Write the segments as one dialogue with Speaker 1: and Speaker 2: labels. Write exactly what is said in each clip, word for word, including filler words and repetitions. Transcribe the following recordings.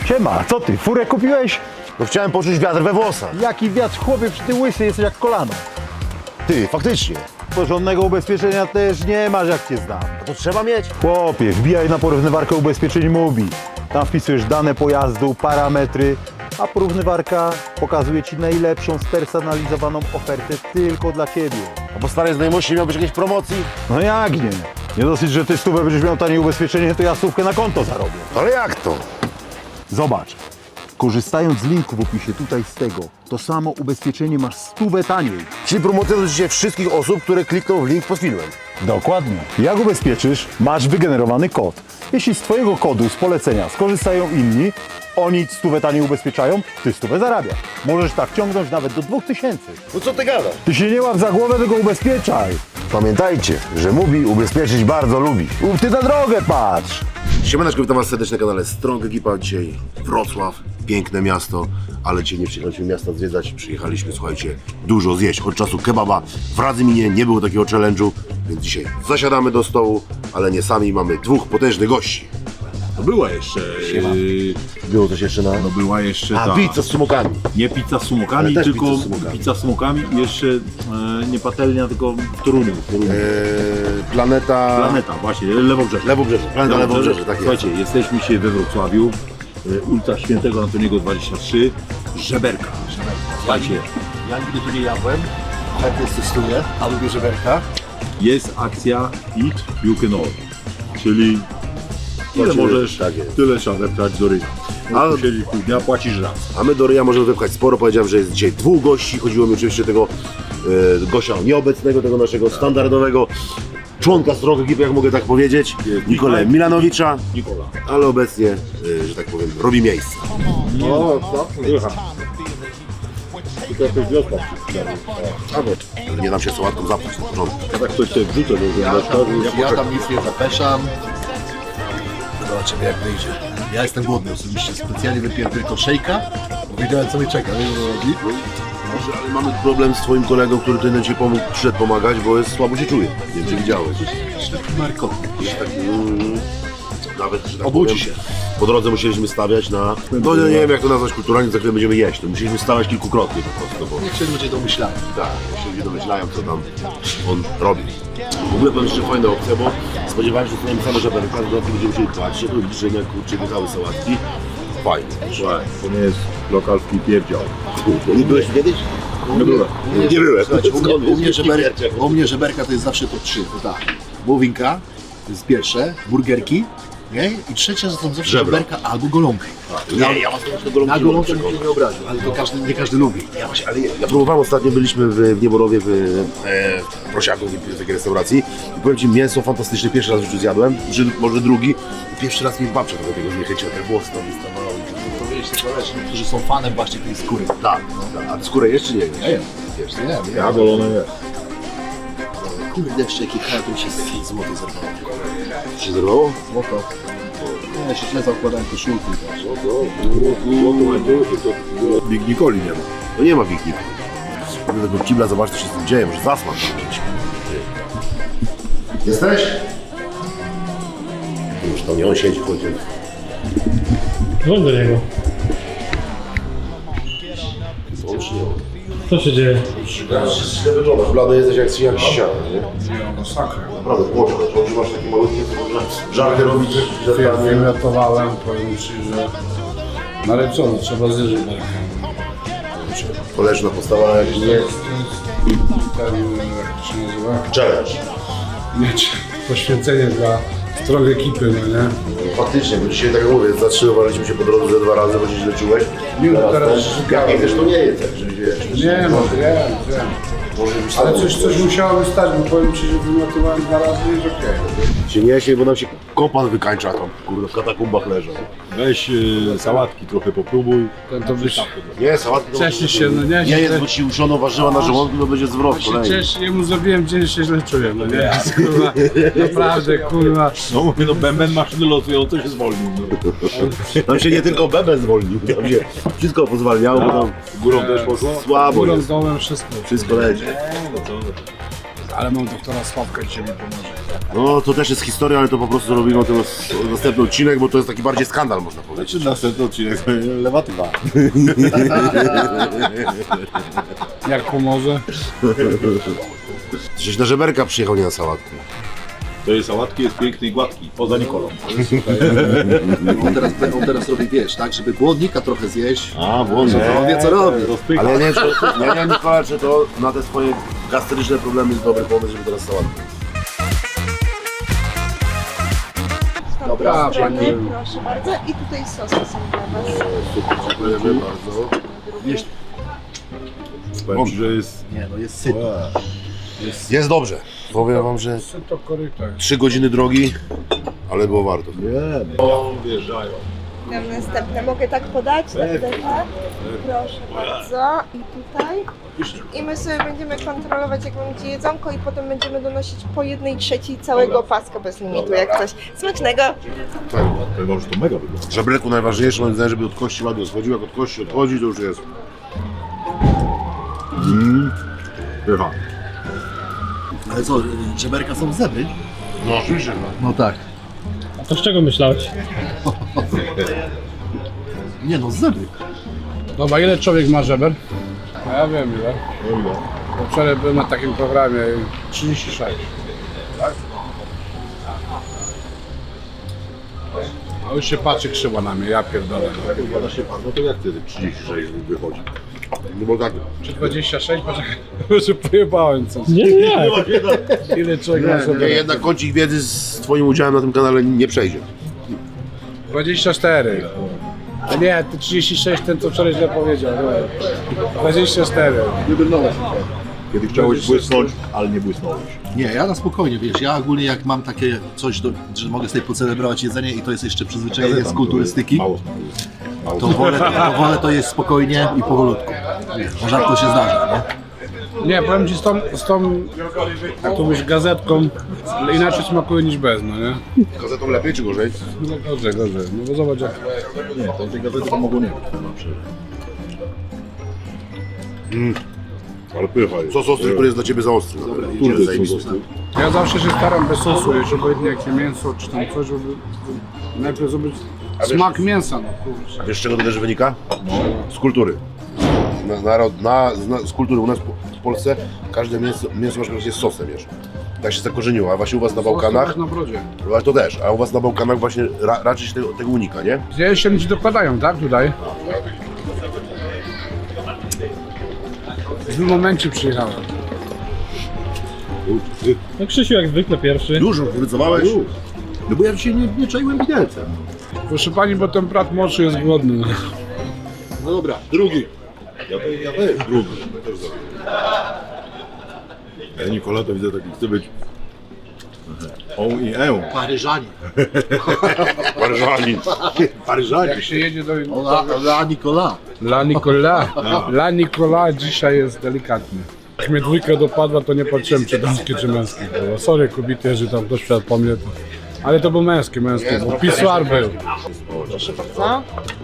Speaker 1: Siema, co ty, furę kupiłeś?
Speaker 2: No chciałem poczuć wiatr we włosach.
Speaker 1: Jaki wiatr, chłopie, przy ty łysy jesteś jak kolano.
Speaker 2: Ty, faktycznie.
Speaker 1: Porządnego ubezpieczenia też nie masz, jak cię znam.
Speaker 2: A to trzeba mieć?
Speaker 1: Chłopie, wbijaj na porównywarkę ubezpieczeń Mubi. Tam wpisujesz dane pojazdu, parametry, a porównywarka pokazuje ci najlepszą, spersonalizowaną ofertę tylko dla ciebie.
Speaker 2: A po starej znajomości miał być jakiejś promocji?
Speaker 1: No jak nie? Nie dosyć, że ty stówę będziesz miał tanie ubezpieczenie, to ja stówkę na konto zarobię.
Speaker 2: Ale jak to?
Speaker 1: Zobacz, korzystając z linku w opisie tutaj z tego, to samo ubezpieczenie masz stówę taniej.
Speaker 2: Czyli promocja dotyczy wszystkich osób, które klikną w link pod filmem.
Speaker 1: Dokładnie. Jak ubezpieczysz, masz wygenerowany kod. Jeśli z twojego kodu, z polecenia skorzystają inni, oni stówę taniej ubezpieczają, ty stówę zarabiasz. Możesz tak ciągnąć nawet do dwóch tysięcy.
Speaker 2: No co ty gadasz?
Speaker 1: Ty się nie łap za głowę, tylko ubezpieczaj.
Speaker 2: Pamiętajcie, że Mubi ubezpieczyć bardzo lubi.
Speaker 1: Uf, ty na drogę patrz.
Speaker 2: Siemaneczko, witam was serdecznie na kanale Strong Ekipa. Dzisiaj Wrocław, piękne miasto, ale dzisiaj nie przyjechaliśmy miasta zwiedzać, przyjechaliśmy, słuchajcie, dużo zjeść. Od czasu kebaba w Radzyminie nie było takiego challenge'u, więc dzisiaj zasiadamy do stołu, ale nie sami, mamy dwóch potężnych gości.
Speaker 3: No była jeszcze. Yy,
Speaker 2: Było coś jeszcze na...
Speaker 3: no była jeszcze
Speaker 2: A,
Speaker 3: ta.
Speaker 2: pizza z sumokami.
Speaker 3: Nie pizza z sumokami,
Speaker 2: Ale też
Speaker 3: tylko
Speaker 2: pizza z sumokami.
Speaker 3: pizza z sumokami i jeszcze e, nie patelnia, tylko w Toruniu. W Toruniu.
Speaker 2: Eee, planeta...
Speaker 3: Planeta, właśnie, Lewobrzeże.
Speaker 2: Lewobrzeże, planeta Lewobrzeże, tak jest.
Speaker 3: Słuchajcie, jesteśmy dzisiaj we Wrocławiu, e, ulica Świętego Antoniego dwadzieścia trzy, Żeberka. Słuchajcie,
Speaker 4: Ja nigdy tu nie jadłem, chętnie testuję, a lubię żeberka.
Speaker 3: jest akcja Eat You Can All, czyli ile
Speaker 2: Płacimy,
Speaker 3: możesz,
Speaker 2: tak jest.
Speaker 3: tyle trzeba wepchać do ryja.
Speaker 2: A-
Speaker 3: A siedzisz pół dnia, płacisz raz.
Speaker 2: A my do ryja możemy wypchać sporo. Powiedziałem, że jest dzisiaj dwóch gości. Chodziło mi oczywiście tego e, gościa nieobecnego, tego naszego standardowego członka Strong Ekipy, jak mogę tak powiedzieć,
Speaker 3: Jest
Speaker 2: Nikolę
Speaker 3: Mikołaj.
Speaker 2: Milanowicza,
Speaker 3: Nikola.
Speaker 2: ale obecnie, e, że tak powiem, robi miejsce.
Speaker 3: O, co? To jakaś wiosna.
Speaker 2: Ale nie dam się sałatką zapchać na początku.
Speaker 3: Ja tak coś sobie wrzucę do
Speaker 4: Ja
Speaker 3: zębeczka.
Speaker 4: tam, ja tam nic nie zapeszam. Zobaczymy jak wyjdzie. Ja jestem głodny osobiście, specjalnie wypiłem tylko szejka, bo wiedziałem co mnie czeka, wiesz o co chodzi?
Speaker 2: Może, ale mamy problem z twoim kolegą, który tutaj ci pomógł, przyszedł pomagać, bo jest słabo się czuje. Nie wiem, czy widziałeś.
Speaker 4: Ślepy markotny.
Speaker 2: Jest tak, mm, nawet, że tak
Speaker 4: Obudzi
Speaker 2: powiem,
Speaker 4: się.
Speaker 2: Po drodze musieliśmy stawiać na, no nie, nie wiem jak to nazwać kulturalnie, za chwilę będziemy jeść. To musieliśmy stawiać kilkukrotnie po prostu, bo
Speaker 4: Niech się ludzie domyślają.
Speaker 2: tak, się ludzie domyślają, co tam on robi. W ogóle powiem, że fajna opcja, bo spodziewałem się, że dostaniemy same żeberka, z dodatku będziemy musieli płacić, to liczenia, kurczę, całe sałatki. Fajnie.
Speaker 3: Słuchaj, to nie jest lokalski pierdział.
Speaker 2: Nie byłeś kiedyś?
Speaker 3: Nie byłem.
Speaker 2: Nie byłem.
Speaker 4: Słuchajcie, u mnie,
Speaker 2: Skąd
Speaker 4: u, mnie
Speaker 2: jest?
Speaker 4: żeber, u mnie żeberka to jest zawsze top trzy, to tak. Wołowinka, to jest pierwsze, burgerki, nie? I trzecia to są zawsze
Speaker 2: Żebro.
Speaker 4: żeberka albo golonki.
Speaker 2: Nie, ja was do tego
Speaker 4: Na
Speaker 2: nie
Speaker 4: golonkę
Speaker 2: mogę
Speaker 4: bym się nie obraził, ale to każdy, nie każdy lubi.
Speaker 2: Ja właśnie, ale ja, ja próbowałem ostatnio, byliśmy w, w Nieborowie, w, e, w Prosiaku, w takiej restauracji i powiem ci, mięso fantastyczne, pierwszy raz w życiu zjadłem, czy może drugi, i pierwszy raz mnie babcia do tego zniechęciła, te włosy tam wystawały.
Speaker 4: To wiesz, to zależy, niektórzy są fanem właśnie tej skóry.
Speaker 2: Tak, tak, a skórę jeszcze nie
Speaker 4: Ja jem, wiesz, nie wiem,
Speaker 3: Ja golone nie.
Speaker 4: Kurde, jeszcze jakie kraje to mi się z złoto zerwało.
Speaker 2: Co się zerwało?
Speaker 4: Złoto. Nie, się źle zakładałem koszulki. Wiesz.
Speaker 3: Big Nicoli nie ma.
Speaker 2: No nie ma wiknik. Do tego kibla, zobacz co się z tym dzieje, może zasmak być. Jesteś? Już to nie on siedzi, chodzi.
Speaker 5: Dzwoń do niego.
Speaker 2: On czy nie on?
Speaker 5: Co się dzieje?
Speaker 2: Źle wyglądasz, blady jesteś jak, jak ściana, nie? Naprawdę, płoczek, że masz takie malutkie, to można żarty robić, że tak nie...
Speaker 6: Wyratowałem, powiem Ci, że nalecony, trzeba zjeżdżać barkę.
Speaker 2: Koleżna postawa jak
Speaker 6: Jest, jest ten, jak to się nazywa?
Speaker 2: challenge.
Speaker 6: Mieć poświęcenie dla Strong Ekipy, no nie?
Speaker 2: Faktycznie, bo dzisiaj tak jak mówię, zatrzymywaliśmy się po drodze ze dwa razy, bo się źle czułeś.
Speaker 6: Nie, no teraz
Speaker 2: też,
Speaker 6: szukałem.
Speaker 2: jak nie wiesz, to nie jest, tak, że wiesz.
Speaker 6: Nie, no wiem, wiem.
Speaker 2: Może być
Speaker 6: Ale
Speaker 2: tak,
Speaker 6: coś, coś musiało stać, bo powiem Ci, że wylatowałem dwa razy i jest okej.
Speaker 2: się nie się, bo nam się kopan wykańcza tam, kurde, w katakumbach leżą.
Speaker 3: Weź y, sałatki trochę popróbuj.
Speaker 6: Ten to byś...
Speaker 2: Nie, sałatki to
Speaker 6: Cieszysz się, no nie?
Speaker 2: nie jest, bo ci uszono warzywa na żołądku, to będzie zwrot
Speaker 6: się
Speaker 2: kolejny.
Speaker 6: cieszę, jemu zrobiłem dzień, się źle czuję, no nie? Kurwa, naprawdę, kurwa.
Speaker 3: No mówię, no bęben maszyny losujące się zwolnił. No.
Speaker 2: Tam się nie tylko bebel zwolnił, tam się wszystko pozwalniało, bo tam
Speaker 3: Górą też poszło?
Speaker 2: słabo
Speaker 6: Górą,
Speaker 2: jest,
Speaker 6: dołem, wszystko.
Speaker 2: wszystko leci.
Speaker 6: Ale mam doktora Sławka, dzisiaj mi pomoże.
Speaker 2: No to też jest historia, ale to po prostu robimy ten następny odcinek, bo to jest taki bardziej skandal, można powiedzieć.
Speaker 3: Czy następny odcinek lewatywa.
Speaker 6: Jak pomoże?
Speaker 2: Żeś na żeberka przyjechał, nie na sałatkę.
Speaker 3: To jest sałatki, jest piękny i gładki, poza Nikolą.
Speaker 4: On teraz, on teraz robi, wiesz, tak, żeby głodnika trochę zjeść.
Speaker 3: A, włączę.
Speaker 4: To on wie, co robi.
Speaker 2: Ale ja nie wiem, czy, ja nie wiem, Nikola, czy to na te swoje gastryczne problemy jest dobry pomysł, żeby teraz sałatkę.
Speaker 4: Dobra,
Speaker 7: Strony,
Speaker 4: pani.
Speaker 7: proszę bardzo. I tutaj sosy są dla Was.
Speaker 2: Dziękujemy bardzo.
Speaker 4: Wiesz,
Speaker 3: Powiem ci, że jest...
Speaker 4: nie no, jest sypno.
Speaker 2: Jest dobrze. Powiem wam, że
Speaker 6: To koryto jest.
Speaker 2: trzy godziny drogi, ale było warto.
Speaker 3: Nie, no. Wjeżdżają.
Speaker 7: Nam następne. Mogę tak podać? Tak, tak, tak. Proszę bardzo. I tutaj. I my sobie będziemy kontrolować, jak będzie jedzonko i potem będziemy donosić po jednej trzeciej całego paska bez limitu, jak coś. Smacznego!
Speaker 2: Tak.
Speaker 3: Powiem wam, że to mega wygląda.
Speaker 2: W żebreku najważniejsze, moim zdaniem, żeby od kości ładnie schodził. Jak od kości odchodzi, to już jest.
Speaker 3: Bywa.
Speaker 4: Ale co, żeberka są zebry?
Speaker 2: No oczywiście.
Speaker 4: No tak.
Speaker 5: A to z czego myślałeś?
Speaker 4: Nie no, zebry.
Speaker 6: Dobra, ile człowiek ma żeber? A ja wiem ile. Bo wczoraj byłem na takim programie trzydzieści sześć. Tak? A już się patrzy krzywo na mnie, ja pierdolę.
Speaker 3: Pada się pan, no to jak wtedy trzydzieści sześć wychodzi?
Speaker 2: No bo tak,
Speaker 6: Czy dwadzieścia sześć? Poczekaj, może pojebałem coś.
Speaker 5: Nie, nie, nie.
Speaker 6: Ile człowiek ma
Speaker 2: nie,
Speaker 6: żeber?
Speaker 2: jednak kącik wiedzy z twoim udziałem na tym kanale nie przejdzie.
Speaker 6: dwadzieścia cztery. A nie, ty trzydzieści sześć, ten co wczoraj źle powiedział. No. dwadzieścia cztery.
Speaker 4: Nie brnąłeś.
Speaker 3: Kiedy chciałeś błysnąć, ale nie błysnąłeś.
Speaker 4: Nie, ja na spokojnie, wiesz, ja ogólnie jak mam takie coś, do, że mogę sobie pocelebrować jedzenie i to jest jeszcze przyzwyczajenie z kulturystyki,
Speaker 3: Mało smakuje. Mało
Speaker 4: to wolę, to wolę to jest spokojnie i powolutku. Bo rzadko się zdarza, nie?
Speaker 6: Nie, powiem ci z tą, z tą jak to mówisz, gazetką, inaczej smakuje niż bez, no nie?
Speaker 2: Gazetą lepiej czy gorzej?
Speaker 6: No gorzej, gorzej. No bo zobacz jak...
Speaker 3: Nie, to tej gazety to mogło nie być. na przykład. Ale pycha jest.
Speaker 2: Sos ostry, który jest dla ciebie za ostry. Dobra,
Speaker 3: Kurde,
Speaker 2: idziemy
Speaker 3: co
Speaker 2: zajebisty.
Speaker 3: został?
Speaker 6: Ja zawsze się staram bez sosu, jeśli obojętnie jakie mięso czy tam coś, żeby najpierw zrobić smak mięsa, no kurczę.
Speaker 2: Wiesz z czego to też wynika? Z kultury. Na, narod, na, na, z kultury u nas w Polsce każde mięso, mięso na przykład jest sosem, wiesz. Tak się zakorzeniło, a właśnie u was na Bałkanach,
Speaker 6: Na brodzie.
Speaker 2: ale to też, a u was na Bałkanach właśnie ra, raczej się tego, tego unika, nie?
Speaker 6: Gdzieś się ci dokładają, tak, tutaj? W tym momencie przyjechałem.
Speaker 5: No Krzysiu jak zwykle pierwszy.
Speaker 2: Już wycofałeś?
Speaker 3: No bo ja dzisiaj nie, nie czaiłem widelcem.
Speaker 6: Proszę pani, bo ten brat młodszy jest głodny.
Speaker 3: No dobra, drugi. Ja, to, ja też drugi. Ja też zrobię. Ja Nikola to widzę taki chce być on i e.
Speaker 4: Paryżanie.
Speaker 2: Paryżanin.
Speaker 3: Paryżanie.
Speaker 6: Jak się jedzie do...
Speaker 4: Ola, Ola Nicola.
Speaker 6: La Nicola. La Nicola dzisiaj jest delikatny. Jak mnie dwójka dopadła, to nie patrzyłem czy damskie, czy męskie. Było. Sorry kobiety, że tam ktoś po mnie to... Ale to był męski, męski, bo pisuar był.
Speaker 7: Co?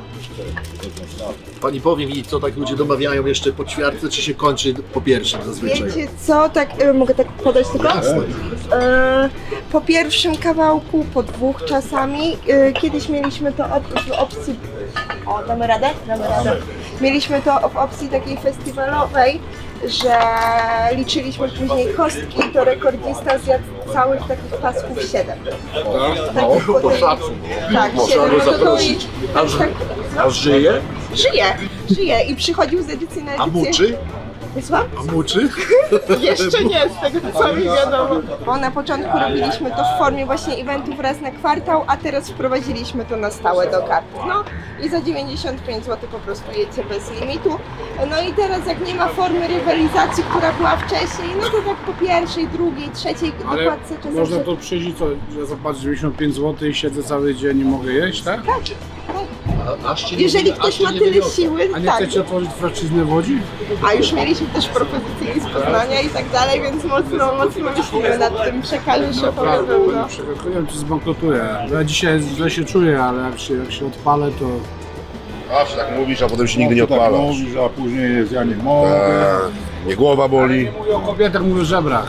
Speaker 4: Pani powie mi, co tak ludzie domawiają jeszcze po ćwiartce, czy się kończy po pierwszym zazwyczaj?
Speaker 7: Wiecie co? Tak, e, mogę tak podać tylko? E, po pierwszym kawałku, po dwóch czasami. E, kiedyś mieliśmy to op- w opcji... O, damy radę? Damy radę. Mieliśmy to w opcji takiej festiwalowej, że liczyliśmy później kostki, to rekordzista zjadł całych takich pasków siedem.
Speaker 4: No,
Speaker 7: Takich po
Speaker 4: to
Speaker 7: tej-
Speaker 4: szacun.
Speaker 7: Tak,
Speaker 4: Można
Speaker 7: siedem.
Speaker 4: go
Speaker 7: No to to
Speaker 4: zaprosić.
Speaker 7: i-
Speaker 4: A, ży-
Speaker 7: tak,
Speaker 4: a żyje?
Speaker 7: żyje, żyje i przychodził z edycji na
Speaker 4: A
Speaker 7: edycję.
Speaker 4: muczy?
Speaker 7: Słucham?
Speaker 4: A muczy?
Speaker 7: Jeszcze nie, z tego co mi wiadomo. Bo na początku robiliśmy to w formie właśnie eventów raz na kwartał, a teraz wprowadziliśmy to na stałe do kart. No i za dziewięćdziesiąt pięć złotych po prostu jecie bez limitu. No i teraz jak nie ma formy rywalizacji, która była wcześniej, no to tak po pierwszej, drugiej, trzeciej
Speaker 6: Ale
Speaker 7: dokładce czasem...
Speaker 6: można to przyjść i co, że zapłacę dziewięćdziesiąt pięć złotych i siedzę cały dzień i mogę jeść, tak?
Speaker 4: A, aż cię
Speaker 7: Jeżeli
Speaker 4: nie,
Speaker 7: ktoś
Speaker 4: aż cię
Speaker 7: ma
Speaker 4: nie
Speaker 7: tyle
Speaker 4: wyniosę.
Speaker 7: siły,
Speaker 6: A nie
Speaker 7: tak.
Speaker 6: chcecie otworzyć franczyznę w Łodzi?
Speaker 7: A już mieliśmy też propozycje z Poznania i tak dalej, więc mocno, mocno myślimy nad tym, przekażę szefowi
Speaker 6: Naprawdę,
Speaker 7: pełno.
Speaker 6: nie przegaduję, czy zbankrutuję. Ja dzisiaj źle się czuję, ale jak się, jak się odpalę, to...
Speaker 2: Zawsze tak mówisz, a potem się nigdy nie
Speaker 3: tak
Speaker 2: odpalasz.
Speaker 3: mówisz, a później jest ja nie mogę.
Speaker 2: Eee, mnie głowa boli.
Speaker 6: Mówię o kobietach, mówię o żebrach.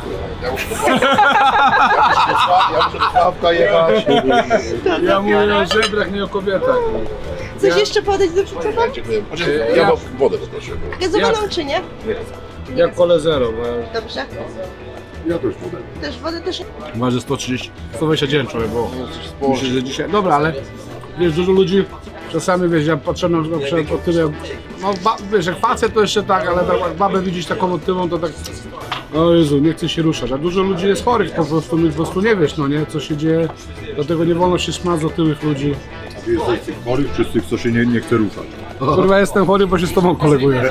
Speaker 4: Ja muszę do Sławka, ja muszę do Sławka jechać.
Speaker 6: Ja mówię o żebrach, nie o kobietach.
Speaker 7: Coś
Speaker 6: Ja-
Speaker 7: jeszcze podać do przeczytania?
Speaker 4: Dziękuję. Ja mam wodę poproszę.
Speaker 7: Gazowaną czy nie?
Speaker 6: Jak kole zero, bo ja
Speaker 7: Dobrze.
Speaker 4: Ja też wodę.
Speaker 7: Też wodę też.
Speaker 6: waży sto trzydzieści, sto dwadzieścia dziewięć człowiek było. Myślę, że dzisiaj, dobra, ale wiesz, dużo ludzi, czasami wiesz, ja patrzę na na przykład o tyle, no ba, wiesz, jak facet to jeszcze tak, ale tak, jak babę widzieć taką motywą, to tak, o Jezu, nie chce się ruszać, a dużo ludzi jest chorych po prostu, my po prostu nie wiesz, no nie, co się dzieje, dlatego nie wolno się śmiać z otyłych ludzi.
Speaker 3: Ty jesteś z tych chorych, czy z tych, co się nie, nie chce ruszać?
Speaker 6: Kurwa, jestem chory, bo się z tobą koleguję.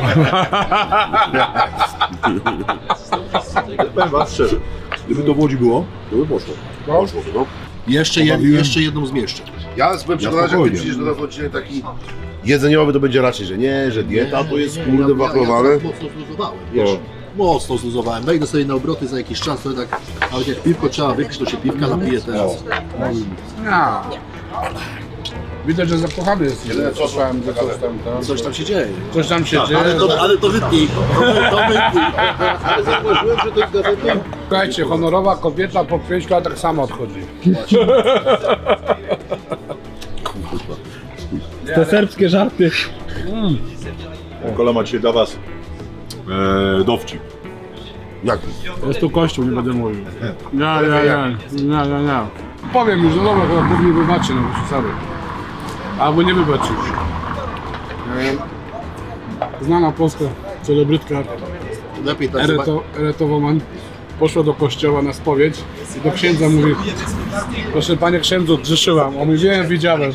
Speaker 3: Powiem was szczerze, gdyby to w Łodzi było, to by poszło.
Speaker 2: Poszło, no.
Speaker 4: Jeszcze, jed, jeszcze jedną zmieszczę.
Speaker 2: Ja byłem przekonany, że jak ty
Speaker 3: spokojnie.
Speaker 2: przyjdziesz do nas odcinek taki jedzeniowy, to będzie raczej, że nie, że dieta to jest kurde
Speaker 4: Ja, ja,
Speaker 2: wachlowane.
Speaker 4: ja mocno zluzowałem, wiesz.
Speaker 2: No.
Speaker 4: Mocno zluzowałem. Wejdę sobie na obroty za jakiś czas, to tak, nawet jak piwko trzeba wypić, to się piwka napije teraz.
Speaker 6: Ja. Widać, że zakochany jesteś, że słyszałem, że coś tam, tam,
Speaker 4: Coś tam się dzieje.
Speaker 6: coś tam się dzieje.
Speaker 4: Ale to, ale to wytnij. To, to wytnij. Ale zauważyłem, że to jest gazeta.
Speaker 6: Słuchajcie, honorowa kobieta po pięciu latach tak samo odchodzi.
Speaker 5: Te serbskie żarty.
Speaker 3: Kola ma dzisiaj dla was e, dowcip.
Speaker 2: Jak?
Speaker 6: Jest tu kościół, nie będę mówił. Nie, nie, nie, nie, nie, nie. Powiem już, no dobra, chyba Bóg mi wybaczy, no bo sorry. Albo nie wybaczy już. E, Znana polska celebrytka
Speaker 4: Lepiej tak
Speaker 6: Ereto, Eretowoman poszła do kościoła na spowiedź i do księdza mówi: proszę panie księdzu, grzeszyłam. On mówi: wiem, widziałem.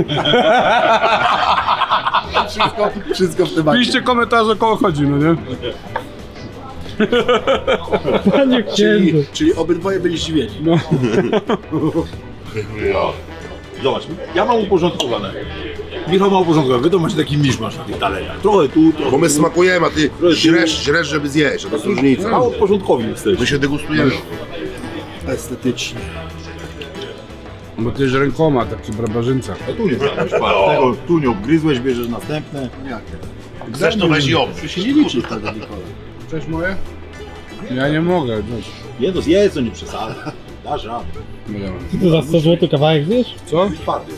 Speaker 4: wszystko, wszystko w temacie.
Speaker 6: Piszcie komentarze, o koło chodzi, no nie?
Speaker 5: Panie
Speaker 4: Czyli,
Speaker 5: księdzu.
Speaker 4: czyli obydwoje byli zdziwieni.
Speaker 6: No.
Speaker 3: Zobacz, ja mam uporządkowane. Michał ma uporządkowane, wy to macie taki miszmasz na tych talerzach. Trochę tu, trochę
Speaker 2: Bo my
Speaker 3: tu.
Speaker 2: smakujemy, a ty źresz, źresz, żeby zjeść, a to jest różnica.
Speaker 3: Mało porządkowi jesteś.
Speaker 2: My się degustujemy.
Speaker 4: Estetycznie.
Speaker 6: Bo ty jest rękoma, taki barbarzyńca.
Speaker 3: A tu nie brałeś, tego tu nie obgryzłeś, bierzesz następne.
Speaker 2: Chcesz to weź i obróć.
Speaker 4: To się nie liczy wtedy, Nikola.
Speaker 6: Cześć moje? Ja nie mogę. No.
Speaker 3: Nie, to zjedz, to nie przesadzaj. Dasz radę.
Speaker 5: Ty to za sto złotych kawałek zjesz?
Speaker 6: Co?
Speaker 3: Twardy.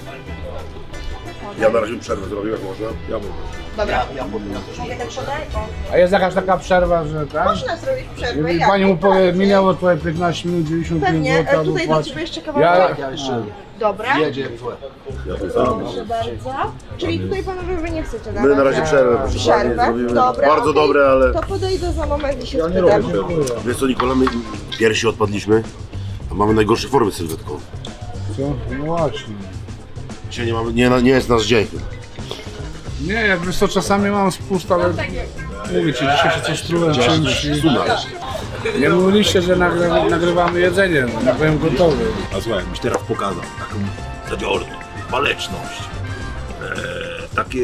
Speaker 2: Ja na razie przerwę zrobię, jak można.
Speaker 3: Ja mówię.
Speaker 7: Dobra. Mogę tak podać?
Speaker 6: A jest jakaś taka przerwa, że tak?
Speaker 7: Można zrobić przerwę.
Speaker 6: I
Speaker 7: jak?
Speaker 6: pani mu powie,
Speaker 7: Tak,
Speaker 6: minęło twoje piętnaście minut, dziewięćdziesiąt pięć
Speaker 7: Pewnie,
Speaker 6: złotych,
Speaker 7: e,
Speaker 6: albo
Speaker 7: tutaj do
Speaker 6: płać.
Speaker 7: ciebie jeszcze
Speaker 6: Ja-
Speaker 7: kawałek.
Speaker 4: Ja jeszcze
Speaker 7: Dobra.
Speaker 4: jedzie złe.
Speaker 7: Proszę bardzo. Czyli tutaj panowie wy nie chcecie
Speaker 2: My na razie przerwę, proszę pani,
Speaker 7: Przerwę?
Speaker 2: zrobimy.
Speaker 7: Dobra.
Speaker 2: Bardzo
Speaker 7: okej.
Speaker 2: dobre, ale...
Speaker 7: To podejdę za moment i się spytam.
Speaker 2: Wiesz co, Nikola, my piersi odpadliśmy, a mamy najgorsze formy sylwetką.
Speaker 6: Co? No właśnie.
Speaker 2: Dzisiaj nie, mamy, nie, nie jest nasz dzień.
Speaker 6: Nie, jak wiesz co, czasami mam spust, ale mówię ci, dzisiaj się coś trułem czymś i... Nie mówiliście, że nagry, nagrywamy jedzenie, no, ja byłem gotowy.
Speaker 3: A słuchaj, jakbyś teraz pokazał taką zadziorność, waleczność, e, takie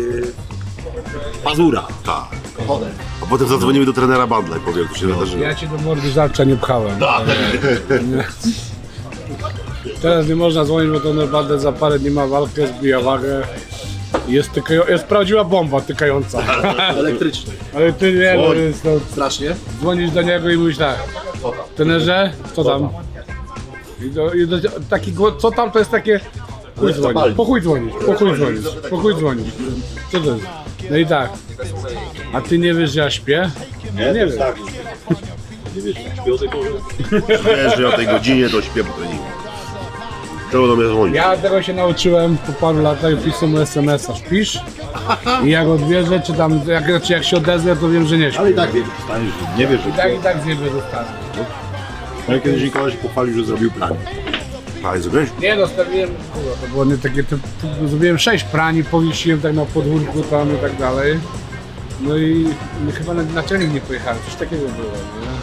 Speaker 3: pazura.
Speaker 2: Tak. A potem zadzwonimy do trenera Bandla i powie, jak to się wydarzyło.
Speaker 6: Ja ci do mordy żarcia nie pchałem. Nie. Teraz nie można dzwonić, bo to naprawdę za parę dni ma walkę, zbija wagę. Jest, tykają, jest prawdziwa bomba tykająca.
Speaker 4: Elektryczny.
Speaker 6: Ale ty nie, no jest to...
Speaker 4: Strasznie.
Speaker 6: Dzwonisz do niego i mówisz tak: trenerze, co tam? I do, i do, taki, głos- co tam to jest takie... Chuj dzwonić, po chuj dzwonić, po chuj dzwonić, po chuj dzwonić. Co to jest? No i tak. A ty nie wiesz, że ja śpię?
Speaker 3: Nie,
Speaker 6: Nie
Speaker 3: to
Speaker 6: wiem.
Speaker 3: tak. Nie wiesz, śpię o tej porze.
Speaker 2: Wiesz, że ja o tej godzinie to śpię po treningu. Czemu do mnie dzwonić?
Speaker 6: Ja tego się nauczyłem po paru latach i pisał mu es em es a. Śpisz? I jak odbierze, czy tam, jak, znaczy jak się odezwie, to wiem, że nie śpi.
Speaker 3: Ale i tak wiesz, staniesz, że nie wiesz, że
Speaker 6: I tak, i tak zjebie dostanę.
Speaker 3: Ale kiedyś Nikola się pochwalił, że zrobił plan.
Speaker 2: A, zrobiłeś?
Speaker 6: Nie, dostawiłem, kurwa, to było nie takie, to, to, zrobiłem sześć prań i powiesiłem tak na podwórku tam i tak dalej. No i, i chyba na, na trening nie pojechałem, coś takiego było, nie?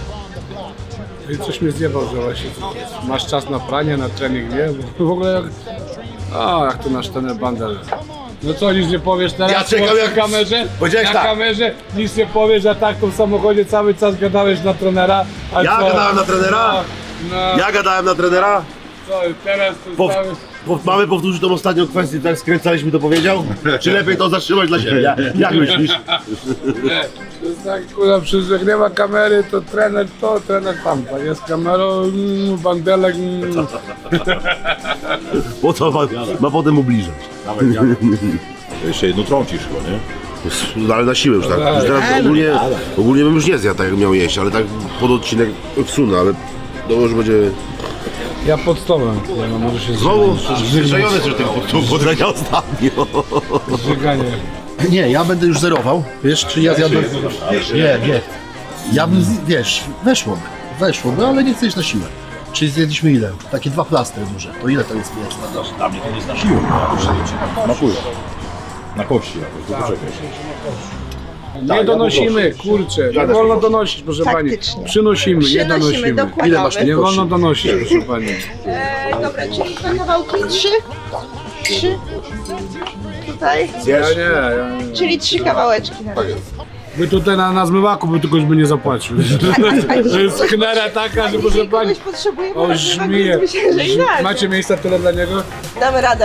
Speaker 6: I coś mnie zjebał, że właśnie masz czas na pranie, na trening, nie? Bo w ogóle jak, a jak to nasz trener Bandel. No co, nic nie powiesz teraz?
Speaker 2: Ja czekam,
Speaker 6: na
Speaker 2: jak-
Speaker 6: kamerze?
Speaker 2: Powiedziałeś
Speaker 6: Na
Speaker 2: tak.
Speaker 6: kamerze nic nie powiesz, a tak tu w samochodzie cały czas gadałeś na trenera. A
Speaker 2: Ja
Speaker 6: co?
Speaker 2: gadałem na trenera?
Speaker 6: No, no.
Speaker 2: Ja gadałem na trenera?
Speaker 6: Co, teraz to
Speaker 2: Po,
Speaker 6: cały...
Speaker 2: po, mamy powtórzyć tą ostatnią kwestię, tak skręcaliśmy to powiedział? Czy lepiej to zatrzymać dla siebie? Jak, jak myślisz?
Speaker 6: Nie, to jest tak, kurwa, przecież jak nie ma kamery, to trener to, trener tamto. Jest kamerą, mm, bandelek, mm.
Speaker 2: Po co ma, ma potem ubliżać?
Speaker 3: Jeszcze jedno trącisz chyba, nie?
Speaker 2: No, ale na siłę już tak. Już teraz ogólnie, ogólnie bym już nie zjadł tak jak miał jeść, ale tak pod odcinek wsunę, ale to już będzie...
Speaker 6: Ja pod stołem, nie, no może się
Speaker 2: Znowu
Speaker 6: zżygać.
Speaker 2: zwyżajony że tym poddania ostatnio.
Speaker 6: Zżyganie.
Speaker 4: Nie, ja będę już zerował. Wiesz, czy ja zjadłem... Nie, nie. Ja bym, z- wiesz, weszłoby. Weszłoby, ale nie chcę iść na siłę. Czyli zjedliśmy ile? Takie dwa plastry duże. To ile to jest mięsa?
Speaker 3: Dla mnie to nie jest na siłę. Smakuje. Na kości jakoś, to poczekaj.
Speaker 6: Nie donosimy, kurczę, nie wolno donosić, proszę pani.
Speaker 7: Faktycznie.
Speaker 6: Przynosimy, nie
Speaker 7: Przynosimy,
Speaker 6: donosimy.
Speaker 7: dokładamy.
Speaker 4: Ile masz
Speaker 6: Nie wolno donosić, proszę pani.
Speaker 7: E, dobra, czyli dwa kawałki? Trzy? Trzy? Tutaj?
Speaker 6: Ja nie, ja nie.
Speaker 7: Czyli trzy kawałeczki. Tak
Speaker 6: By tutaj na, na zmywaku by tylko by nie zapłacił. To jest knera taka, że proszę pani.
Speaker 7: Kogoś potrzebujemy,
Speaker 6: O,
Speaker 7: na
Speaker 6: żmije.
Speaker 7: myślę, że i tak.
Speaker 6: Macie miejsca tyle dla niego?
Speaker 7: Damy radę.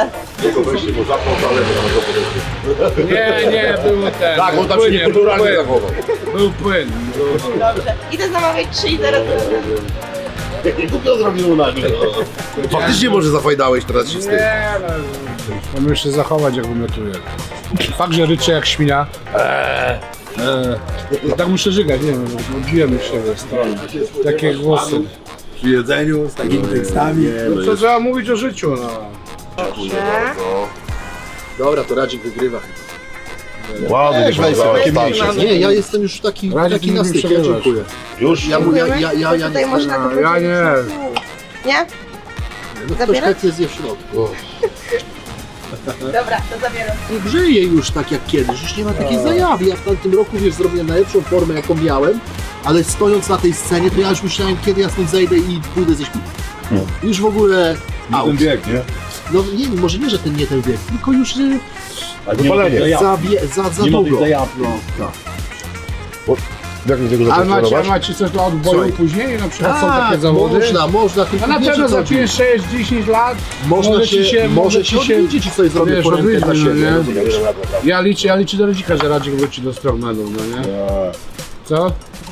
Speaker 6: Nie, nie, było ten.
Speaker 2: Tak, on tam się
Speaker 6: płynie, był
Speaker 2: niekulturalnie
Speaker 6: płyn.
Speaker 2: zachował.
Speaker 6: Był płyn.
Speaker 7: Dobrze. Idę zamawiać trzy i zaraz.
Speaker 2: Nie głupio zrobił na nim. Faktycznie może zafajdałeś teraz się z tym.
Speaker 6: Nie, no. Mamy jeszcze zachować, jak wymiotuje. Fakt, że ryczy jak świnia. Eee, eee. Tak muszę żygać, nie wiem, odbiłem siebie w stronę. Takie głosy.
Speaker 3: Przy jedzeniu z takimi tekstami.
Speaker 6: No co trzeba mówić o życiu, no.
Speaker 4: Dobra, to Radzik wygrywa.
Speaker 2: Ładnie,
Speaker 4: Weź, weź sobie takie
Speaker 2: starszy.
Speaker 4: mniejsze. Nie, ja jestem już taki,
Speaker 6: Radzik
Speaker 4: taki
Speaker 6: nie
Speaker 4: na
Speaker 6: lubi
Speaker 4: styk, ja
Speaker 6: przerywać.
Speaker 4: dziękuję.
Speaker 2: Już?
Speaker 4: Ja, ja, ja, ja, ja
Speaker 7: Tutaj
Speaker 4: nie
Speaker 7: można to
Speaker 6: Ja
Speaker 7: podzielić
Speaker 6: nie.
Speaker 7: na pół. Nie?
Speaker 4: No ktoś
Speaker 7: Zabierać?
Speaker 4: chętnie zje w środku.
Speaker 7: Dobra, to zabieram.
Speaker 4: Nie grzeje już tak jak kiedyś, już nie ma takiej zajawy. Ja w tamtym roku, wiesz, zrobiłem najlepszą formę jaką miałem, ale stojąc na tej scenie, to ja już myślałem, kiedy ja stąd zejdę i pójdę ze śpiewu. Już w ogóle
Speaker 3: Na
Speaker 4: out.
Speaker 3: ten wiek, nie?
Speaker 4: No nie, może nie, że ten nie ten wiek, tylko już y,
Speaker 2: Wypalenie.
Speaker 4: za, wie- za, za
Speaker 3: Nie ma tej
Speaker 4: długo.
Speaker 3: zajawki.
Speaker 4: No, tak.
Speaker 2: Jak mi tego
Speaker 6: Ale
Speaker 2: zacząć
Speaker 6: macie, a
Speaker 2: trenować?
Speaker 6: macie coś do odboju
Speaker 4: Słuchaj.
Speaker 6: później? Na przykład są
Speaker 4: Tak,
Speaker 6: takie zawody?
Speaker 4: można, można. tylko
Speaker 6: A na
Speaker 4: wiesz,
Speaker 6: pewno
Speaker 4: o co
Speaker 6: za
Speaker 4: chodzi.
Speaker 6: sześć dziesięć lat
Speaker 4: Można
Speaker 6: może
Speaker 4: się,
Speaker 6: ci się,
Speaker 4: może się
Speaker 6: ci
Speaker 4: odwiedzić i sobie zrobię
Speaker 6: wiesz,
Speaker 4: porękę dla
Speaker 6: odwiedzić,
Speaker 4: siebie.
Speaker 6: no nie?
Speaker 4: rozumiesz?
Speaker 6: Ja liczę, ja liczę do rodzika, że Radzik wróci do strongmanu, no nie? Co?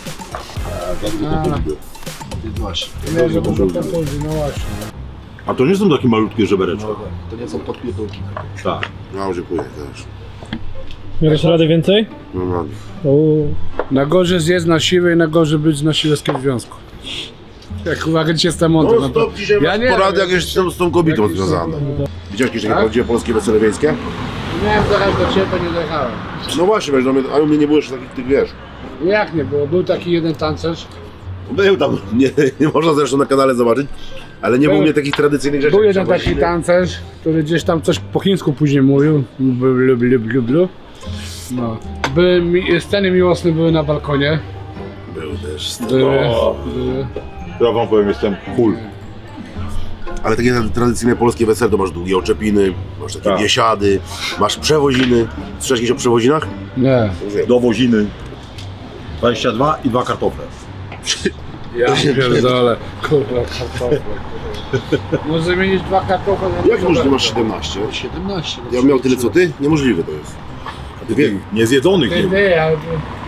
Speaker 4: Właśnie.
Speaker 6: Nie, że dużo kontuzji, no właśnie.
Speaker 3: A to nie są takie malutkie żebereczki.
Speaker 4: To nie są podpierdolki.
Speaker 3: Tak.
Speaker 2: No, dziękuję też.
Speaker 5: Miałeś radę więcej?
Speaker 2: No, no.
Speaker 5: O,
Speaker 6: Na gorzej zjedz na siłę i na gorzej być na siłowskim związku. Jak uwaga cię jestem mądry,
Speaker 2: No
Speaker 6: no to...
Speaker 2: stop, dzisiaj
Speaker 6: Ja
Speaker 2: masz
Speaker 6: nie
Speaker 2: porady
Speaker 6: wiem.
Speaker 2: jakieś z, z tą kobietą związane. Widziałeś jakieś takie
Speaker 6: Tak?
Speaker 2: prawdziwe polskie wesele wiejskie?
Speaker 6: Miałem dojechać do ciebie, to nie dojechałem.
Speaker 2: No właśnie, wiesz, no, mnie- a u mnie nie było jeszcze takich, tych wiesz.
Speaker 6: Jak nie było? Był taki jeden tancerz.
Speaker 2: Był tam, nie, nie można zresztą na kanale zobaczyć, ale nie
Speaker 6: Był-
Speaker 2: było mnie takich tradycyjnych rzeczy.
Speaker 6: Był
Speaker 2: jak
Speaker 6: jeden taki
Speaker 2: przewodziny.
Speaker 6: tancerz, który gdzieś tam coś po chińsku później mówił. Blu, blu, blu, blu, blu. No. Były, mi, sceny miłosne były na balkonie.
Speaker 2: Był też.
Speaker 6: Były,
Speaker 3: O.
Speaker 6: były.
Speaker 3: Ja wam powiem, jestem cool.
Speaker 2: Ale takie tradycyjne polskie wesele to masz długie oczepiny, masz takie
Speaker 3: Tak.
Speaker 2: biesiady, masz przewoziny. Słyszałeś kiedyś o przewozinach?
Speaker 6: Nie.
Speaker 3: Do woziny. dwadzieścia dwa i dwa kartofle.
Speaker 6: Ja pierdolę. Kurwa, kartofle. Może zamienić dwa kartofle na
Speaker 2: Jak możliwe masz siedemnaście?
Speaker 4: siedemnaście.
Speaker 2: Ja bym miał tyle co ty? Niemożliwe to jest. Ty wie,
Speaker 3: Niezjedzonych
Speaker 6: Ty,
Speaker 3: nie ma.
Speaker 6: ty, ale...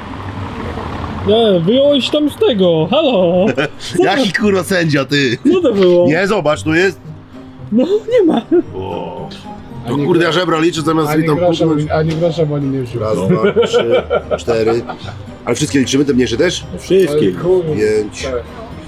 Speaker 5: nie, wyjąłeś tam z tego, halo!
Speaker 2: jaki kurwa sędzia ty?
Speaker 5: Co to było?
Speaker 2: Nie, zobacz, tu jest.
Speaker 5: No, nie ma.
Speaker 3: O,
Speaker 2: No kurde, ja żebra liczę zamiast
Speaker 6: Ani
Speaker 2: mi tam
Speaker 6: grosza,
Speaker 2: puknąć.
Speaker 6: ani grosza, bo oni nie wziął.
Speaker 2: Raz, dwa, trzy, cztery. Ale wszystkie liczymy, te mniejsze też?
Speaker 3: wszystkie.
Speaker 2: Pięć.
Speaker 6: Tak.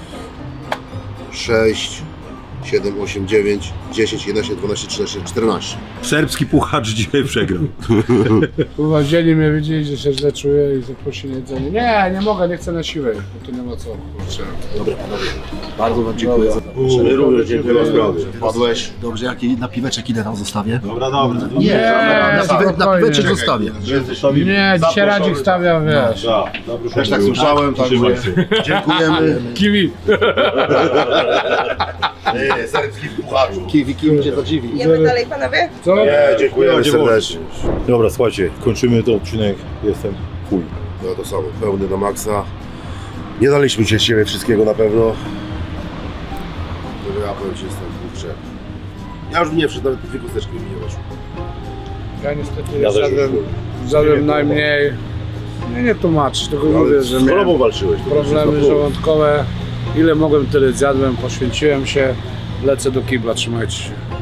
Speaker 2: sześć, siedem, osiem, dziewięć, dziesięć, jedenaście, dwanaście, trzynaście, czternaście.
Speaker 3: Serbski puchacz dzisiaj przegrał.
Speaker 6: Kurwa, wzięli mnie, wiedzieli, że się źle czuję i zaprosili na jedzenie. Nie, nie mogę, nie chcę na siłę, bo tu nie ma co, kurczę.
Speaker 4: Bardzo wam dziękuję za
Speaker 2: My również dziękujemy sprawy. Padłeś.
Speaker 4: Dobrze, jak na piweczek idę tam zostawię?
Speaker 3: Dobra, dobra.
Speaker 4: Nie, na, na, piwe, na
Speaker 6: spokojnie.
Speaker 4: piweczek zostawię.
Speaker 6: Nie, dzisiaj Radzik stawia, wiesz.
Speaker 2: Też tak słyszałem, także dziękujemy.
Speaker 6: Kiwi.
Speaker 2: Nie, serbski puchaczu.
Speaker 4: Kiwi, kiwi cię zadziwi.
Speaker 7: Idziemy dalej, panowie?
Speaker 6: Co?
Speaker 2: Nie, dziękujemy serdecznie.
Speaker 3: Dobra, słuchajcie, kończymy ten odcinek. Jestem cool.
Speaker 2: No to samo, pełny na maksa. Nie daliśmy się z siebie wszystkiego na pewno. No ja powiem ci, jestem kurczę. wszedł. Ja już nie wszedł, nawet dwie kosteczki mi nie weszły.
Speaker 6: Ja niestety
Speaker 2: Ja też
Speaker 6: zjadłem,
Speaker 2: już
Speaker 6: zjadłem najmniej. Nie, nie tłumaczyć, tylko
Speaker 2: Ale
Speaker 6: mówię, że
Speaker 2: z chorobą
Speaker 6: miałem
Speaker 2: walczyłeś. to
Speaker 6: problemy
Speaker 2: wszystko.
Speaker 6: żołądkowe. Ile mogłem, tyle zjadłem, poświęciłem się. Lecę do kibla, trzymajcie się.